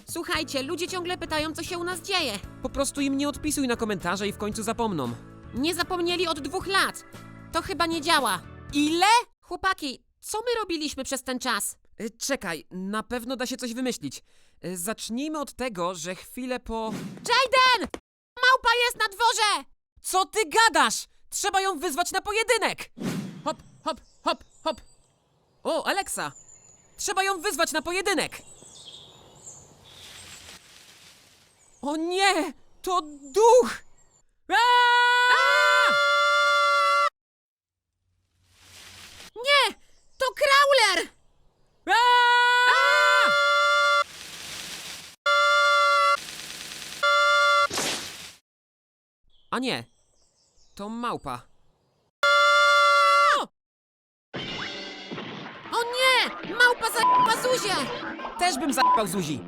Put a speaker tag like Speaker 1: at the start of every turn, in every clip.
Speaker 1: Słuchajcie, ludzie ciągle pytają, co się u nas dzieje.
Speaker 2: Po prostu im nie odpisuj na komentarze i w końcu zapomną.
Speaker 1: Nie zapomnieli od 2 lat. To chyba nie działa.
Speaker 2: Ile?
Speaker 1: Chłopaki, co my robiliśmy przez ten czas?
Speaker 2: Czekaj, na pewno da się coś wymyślić. Zacznijmy od tego, że chwilę po...
Speaker 1: Jayden! Małpa jest na dworze!
Speaker 2: Co ty gadasz? Trzeba ją wyzwać na pojedynek! Hop, hop, hop, hop. O, Alexa! Trzeba ją wyzwać na pojedynek! O nie! To duch! Aaaa!
Speaker 1: Nie! To Crawler!
Speaker 2: Aaaa! A nie, to małpa.
Speaker 1: O nie! Małpa za Zuzię!
Speaker 2: Też bym zajebał Zuzi.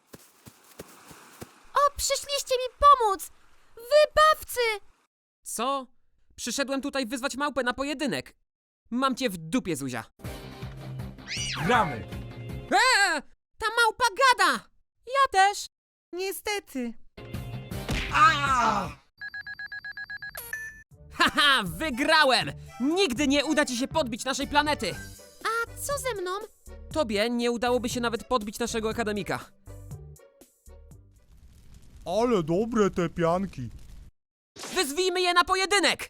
Speaker 1: O, przyszliście mi pomóc! Wybawcy!
Speaker 2: Co? Przyszedłem tutaj wyzwać małpę na pojedynek. Mam cię w dupie, Zuzia.
Speaker 3: Gramy!
Speaker 1: Ta małpa gada!
Speaker 2: Ja też.
Speaker 3: Niestety.
Speaker 2: Haha, wygrałem! Nigdy nie uda ci się podbić naszej planety.
Speaker 1: A co ze mną?
Speaker 2: Tobie nie udałoby się nawet podbić naszego akademika.
Speaker 3: Ale dobre te pianki.
Speaker 2: Wyzwijmy je na pojedynek!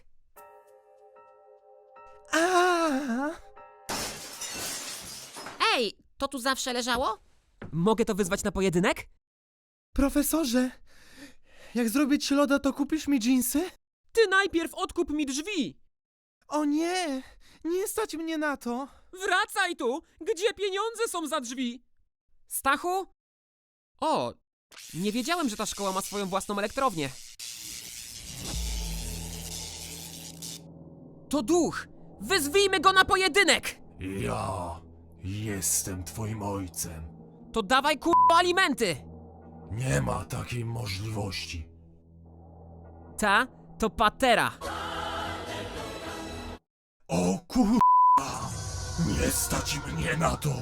Speaker 1: Ej, to tu zawsze leżało?
Speaker 2: Mogę to wyzwać na pojedynek?
Speaker 3: Profesorze, jak zrobię ci loda, to kupisz mi dżinsy?
Speaker 2: Ty najpierw odkup mi drzwi!
Speaker 3: O nie, nie stać mnie na to.
Speaker 2: Wracaj tu! Gdzie pieniądze są za drzwi? Stachu? O, nie wiedziałem, że ta szkoła ma swoją własną elektrownię. To duch! Wyzwijmy go na pojedynek!
Speaker 4: Ja jestem twoim ojcem.
Speaker 2: To dawaj kurwa alimenty!
Speaker 4: Nie ma takiej możliwości.
Speaker 2: Ta to patera.
Speaker 4: O kurwa! Nie stać mnie na to!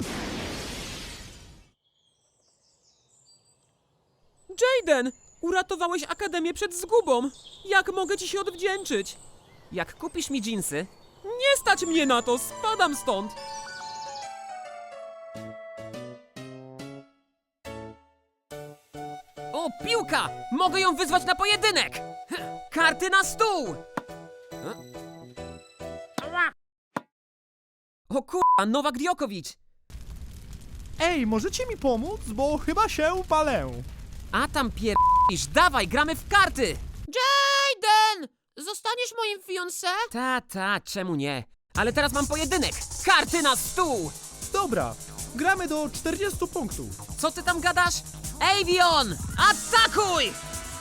Speaker 2: Jayden! Uratowałeś Akademię przed zgubą! Jak mogę ci się odwdzięczyć? Jak kupisz mi dżinsy... Nie stać mnie na to! Spadam stąd! O, piłka! Mogę ją wyzwać na pojedynek! Karty na stół! O kurwa, Nowak Djokovic!
Speaker 3: Ej, możecie mi pomóc, bo chyba się palę.
Speaker 2: A tam pierdolisz, dawaj, gramy w karty!
Speaker 1: Jayden! Zostaniesz moim fiancé?
Speaker 2: Ta, czemu nie? Ale teraz mam pojedynek! Karty na stół!
Speaker 3: Dobra, gramy do 40 punktów.
Speaker 2: Co ty tam gadasz? Avion! Atakuj!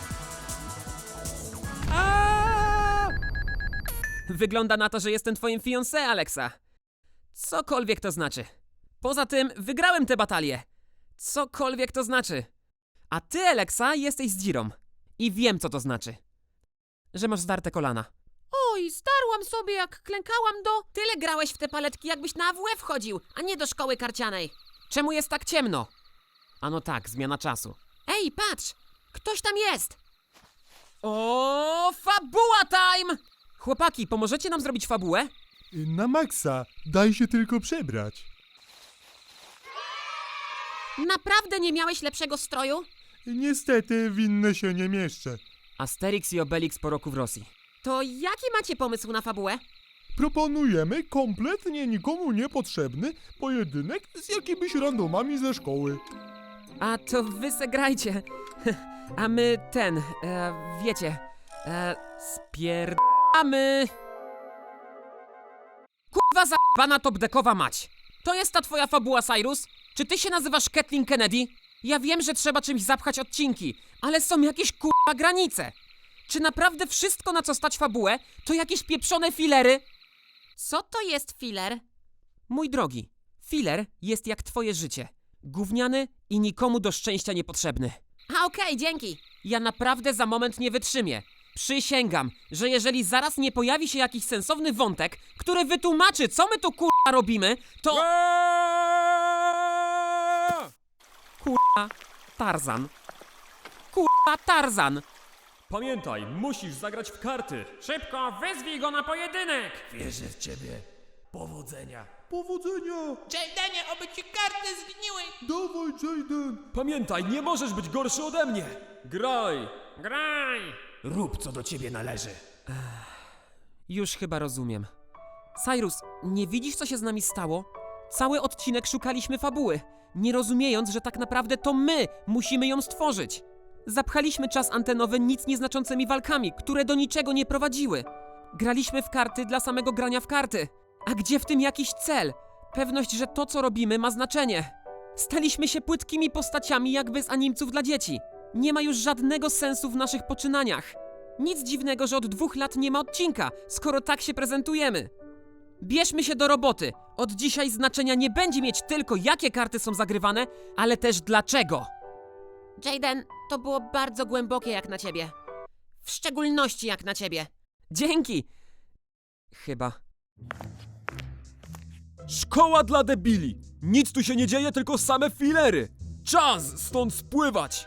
Speaker 2: Wygląda na to, że jestem twoim fiancé, Alexa. Cokolwiek to znaczy. Poza tym, wygrałem tę batalię. Cokolwiek to znaczy. A ty, Alexa, jesteś z Dzirą. I wiem, co to znaczy. Że masz zdarte kolana.
Speaker 1: Oj, starłam sobie jak klękałam do... Tyle grałeś w te paletki, jakbyś na AWF chodził, a nie do szkoły karcianej.
Speaker 2: Czemu jest tak ciemno? A no tak, zmiana czasu.
Speaker 1: Ej, patrz! Ktoś tam jest!
Speaker 2: O, fabuła time! Chłopaki, pomożecie nam zrobić fabułę?
Speaker 3: Na maksa, daj się tylko przebrać.
Speaker 1: Naprawdę nie miałeś lepszego stroju?
Speaker 3: Niestety, w inne się nie mieszczę.
Speaker 2: Asterix i Obelix po roku w Rosji.
Speaker 1: To jaki macie pomysł na fabułę?
Speaker 3: Proponujemy kompletnie nikomu niepotrzebny pojedynek z jakimiś randomami ze szkoły.
Speaker 2: A to wy se grajcie. A my wiecie, spierdamy. Kurwa za***ana top-deckowa mać. To jest ta twoja fabuła, Cyrus? Czy ty się nazywasz Kathleen Kennedy? Ja wiem, że trzeba czymś zapchać odcinki, ale są jakieś kurwa granice. Czy naprawdę wszystko, na co stać fabułę, to jakieś pieprzone filery?
Speaker 1: Co to jest filler?
Speaker 2: Mój drogi, filler jest jak twoje życie. Gówniany i nikomu do szczęścia niepotrzebny.
Speaker 1: A okej, dzięki.
Speaker 2: Ja naprawdę za moment nie wytrzymię. Przysięgam, że jeżeli zaraz nie pojawi się jakiś sensowny wątek, który wytłumaczy, co my tu kurwa robimy, to... Kurwa, Tarzan. Kurwa, Tarzan!
Speaker 5: Pamiętaj, musisz zagrać w karty.
Speaker 1: Szybko, wyzwij go na pojedynek!
Speaker 4: Wierzę w ciebie. Powodzenia.
Speaker 3: Powodzenia!
Speaker 1: Jaydenie, oby ci karty zgniły!
Speaker 3: Dawaj, Jayden!
Speaker 5: Pamiętaj, nie możesz być gorszy ode mnie. Graj.
Speaker 1: Graj!
Speaker 4: Rób co do ciebie należy.
Speaker 2: Już chyba rozumiem. Cyrus, nie widzisz, co się z nami stało? Cały odcinek szukaliśmy fabuły, nie rozumiejąc, że tak naprawdę to my musimy ją stworzyć. Zapchaliśmy czas antenowy nic nieznaczącymi walkami, które do niczego nie prowadziły. Graliśmy w karty dla samego grania w karty. A gdzie w tym jakiś cel? Pewność, że to, co robimy, ma znaczenie. Staliśmy się płytkimi postaciami jakby z animców dla dzieci. Nie ma już żadnego sensu w naszych poczynaniach. Nic dziwnego, że od 2 lat nie ma odcinka, skoro tak się prezentujemy. Bierzmy się do roboty. Od dzisiaj znaczenia nie będzie mieć tylko jakie karty są zagrywane, ale też dlaczego.
Speaker 1: Jayden, to było bardzo głębokie jak na ciebie. W szczególności jak na ciebie.
Speaker 2: Dzięki! Chyba.
Speaker 5: Szkoła dla debili. Nic tu się nie dzieje, tylko same filery. Czas stąd spływać.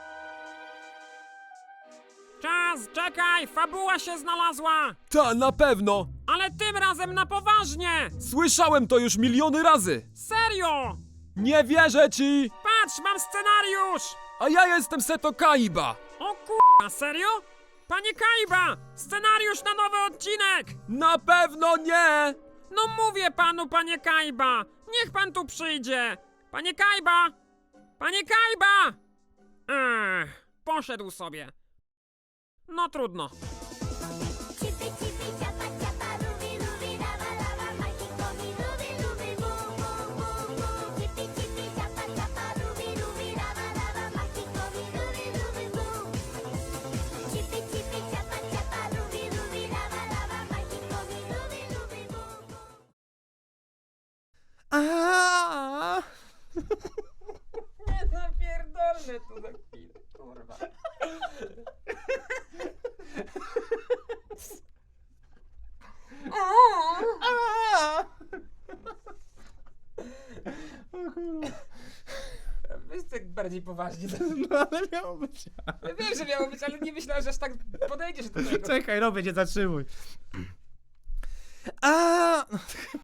Speaker 1: Czas, czekaj, fabuła się znalazła!
Speaker 5: Ta, na pewno.
Speaker 1: Ale tym razem na poważnie!
Speaker 5: Słyszałem to już miliony razy.
Speaker 1: Serio!
Speaker 5: Nie wierzę ci.
Speaker 1: Patrz, mam scenariusz!
Speaker 5: A ja jestem Seto Kaiba.
Speaker 1: O kurwa, serio? Panie Kaiba! Scenariusz na nowy odcinek!
Speaker 5: Na pewno nie.
Speaker 1: No mówię panu, panie Kaiba! Niech pan tu przyjdzie! Panie Kaiba! Panie Kaiba! Poszedł sobie. No trudno.
Speaker 6: Chippy chippy chapa chapa ruby ruby lava lava makikomi ruby ruby boom boom boom boom. Chippy chippy chapa chapa ruby ruby lava lava makikomi ruby ruby boom. Chippy chippy chapa chapa ruby ruby lava lava makikomi ruby ruby boom boom.
Speaker 3: Aaaa!
Speaker 2: Nie zapierdolę tu za chwilę, kurwa. Weź tak bardziej poważnie.
Speaker 3: No ale miało być.
Speaker 2: Ja wiem, że miało być, ale nie myślałem, że aż tak podejdziesz do tego.
Speaker 3: Czekaj, robię, nie zatrzymuj. A!